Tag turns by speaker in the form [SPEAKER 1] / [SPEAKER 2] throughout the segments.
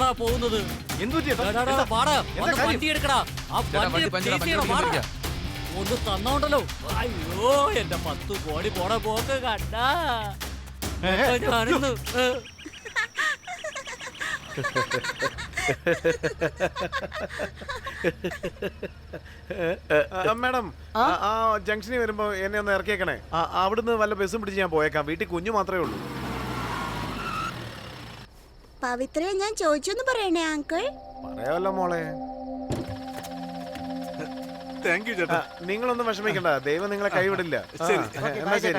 [SPEAKER 1] എങ്ങോട്ടാടാ പോകുന്നത്? വണ്ടി എടുക്കടാ. ഒന്ന് തന്നോണ്ടല്ലോ. അയ്യോ എന്റെ 10 കോടി പോണ പോക്ക് കണ്ട ഞാനിന്ന്.
[SPEAKER 2] മാഡം ആ ജംഗ്ഷനിൽ വരുമ്പോ എന്നെ ഒന്ന് ഇറക്കിയേക്കണേ. അവിടുന്ന് വല്ല ബസ്സും പിടിച്ച് ഞാൻ പോയേക്കാം. വീട്ടിൽ കുഞ്ഞു മാത്രമേ ഉള്ളൂ.
[SPEAKER 3] പവിത്രയെ ഞാൻ ചോദിച്ചൊന്ന് പറയണേ അങ്കിൾ.
[SPEAKER 2] പറയാമല്ലോ മോളെ.
[SPEAKER 4] താങ്ക് യു ചേട്ടാ.
[SPEAKER 2] നിങ്ങളൊന്നും വിഷമിക്കണ്ട, ദൈവം നിങ്ങളെ കൈവിടില്ല. ശരി എന്നാ ശരി.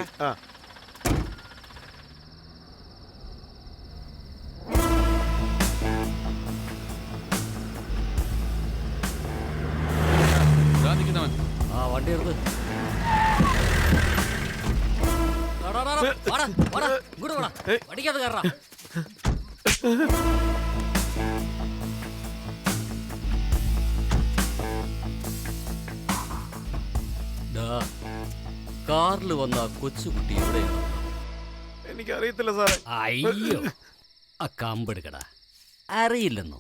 [SPEAKER 1] വണ്ടി എടുത്ത് വടിക്കാതെ കയറാ. കാറിൽ വന്ന കൊച്ചുകുട്ടി എവിടെയാണ്?
[SPEAKER 2] എനിക്കറിയത്തില്ല സാറേ.
[SPEAKER 1] അയ്യോ ആ കമ്പെടുക്കടാ. അറിയില്ലെന്നോ?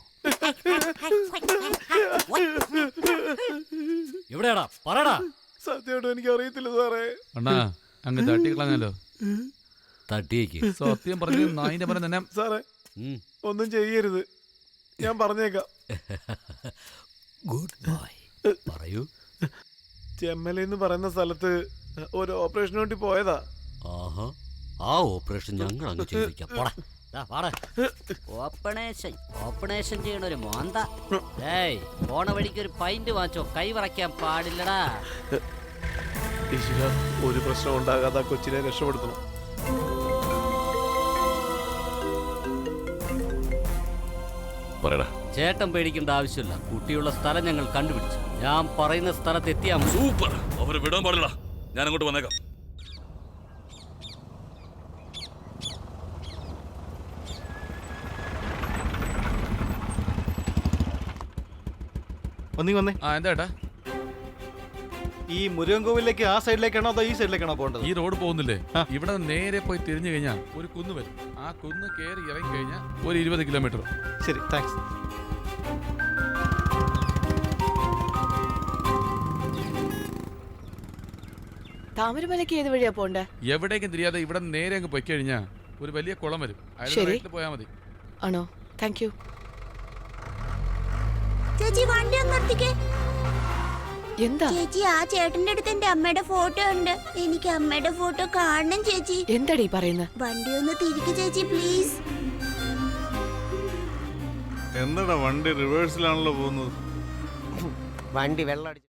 [SPEAKER 1] എവിടെയാടാ പറടാ.
[SPEAKER 2] സത്യമായിട്ടും എനിക്ക് അറിയത്തില്ല സാറേ.
[SPEAKER 4] അണ്ണാ അങ്ങ് തട്ടിക്കളഞ്ഞല്ലോ.
[SPEAKER 1] തട്ടിയേക്ക്.
[SPEAKER 4] സത്യം പറഞ്ഞു നായിന്റെ പറഞ്ഞ തന്നെ.
[SPEAKER 2] സാറേ ഒന്നും ചെയ്യരുത്, ഞാൻ പറഞ്ഞേക്കാം.
[SPEAKER 1] Good boy. പറയൂ.
[SPEAKER 2] ചെമ്മലെന്ന് പറയുന്ന സ്ഥലത്ത് ഒരു ഓപ്പറേഷന് വേണ്ടി പോയതാ.
[SPEAKER 1] ആഹാ, ആ ഓപ്പറേഷൻ ഞങ്ങൾ അങ്ങ് ചെയ്യിക്കാം. ഓപ്പറേഷൻ ചെയ്യണ ഒരു മോന്ത. പോണ വഴിക്ക് ഒരു പൈന്റ് വാങ്ങിച്ചോ. കൈ വറയ്ക്കാൻ പാടില്ലടാ.
[SPEAKER 2] ഒരു പ്രശ്നം ഉണ്ടാകാതെ കൊച്ചിനെ രക്ഷപ്പെടുത്തണം.
[SPEAKER 1] ചേട്ടൻ പേടിക്കേണ്ട ആവശ്യമില്ല. കുട്ടിയുള്ള സ്ഥലം ഞങ്ങൾ കണ്ടുപിടിച്ചു. ഞാൻ പറയുന്ന സ്ഥലത്ത് എത്തിയാ
[SPEAKER 5] സൂപ്പർ. അവരെ വിടാൻ പാടില്ല. ഞാൻ അങ്ങോട്ട് വന്നേക്കാം.
[SPEAKER 6] വന്നേ.
[SPEAKER 4] എന്താ
[SPEAKER 6] ഈ മുരുകൻ കോവിലേക്ക് ആ സൈഡിലേക്കാണോ അതോ ഈ സൈഡിലേക്കാണോ പോകേണ്ടത്?
[SPEAKER 4] ഈ റോഡ് പോകുന്നില്ലേ, ഇവിടെ നേരെ പോയി തിരിഞ്ഞു കഴിഞ്ഞാൽ ഒരു കുന്ന് വരും. ആ കുന്ന് കയറി ഇറങ്ങി കഴിഞ്ഞാൽ ഒരു 20 കിലോമീറ്റർ.
[SPEAKER 6] ശരി, താങ്ക്സ്.
[SPEAKER 7] താമരമലയ്ക്ക് ഏത് വഴിയാ പോണ്ടേ?
[SPEAKER 4] എവിടേക്കും തിരിയാതെ ഇവിടെ നേരെ അങ്ങ് പോയി കഴിഞ്ഞാൽ ഒരു വലിയ കുളം വരും. അതിൽ പോയാൽ മതി.
[SPEAKER 7] ആണോ? Thank you.
[SPEAKER 3] ചേച്ചി വണ്ടി ഒന്ന് നിർത്തിക്കേ.
[SPEAKER 7] എന്താ
[SPEAKER 3] ചേച്ചി, ആ ചേട്ടന്റെ അടുത്ത് എന്റെ അമ്മയുടെ ഫോട്ടോ ഉണ്ട്. എനിക്ക് അമ്മയുടെ ഫോട്ടോ കാണണം ചേച്ചി.
[SPEAKER 7] എന്താടീ പറയുന്നത്?
[SPEAKER 3] വണ്ടി ഒന്ന് തിരിക്ക് ചേച്ചി പ്ലീസ്.
[SPEAKER 8] എന്താടാ വണ്ടി റിവേഴ്സിലാണല്ലോ പോകുന്നത്?
[SPEAKER 9] വണ്ടി വെള്ളം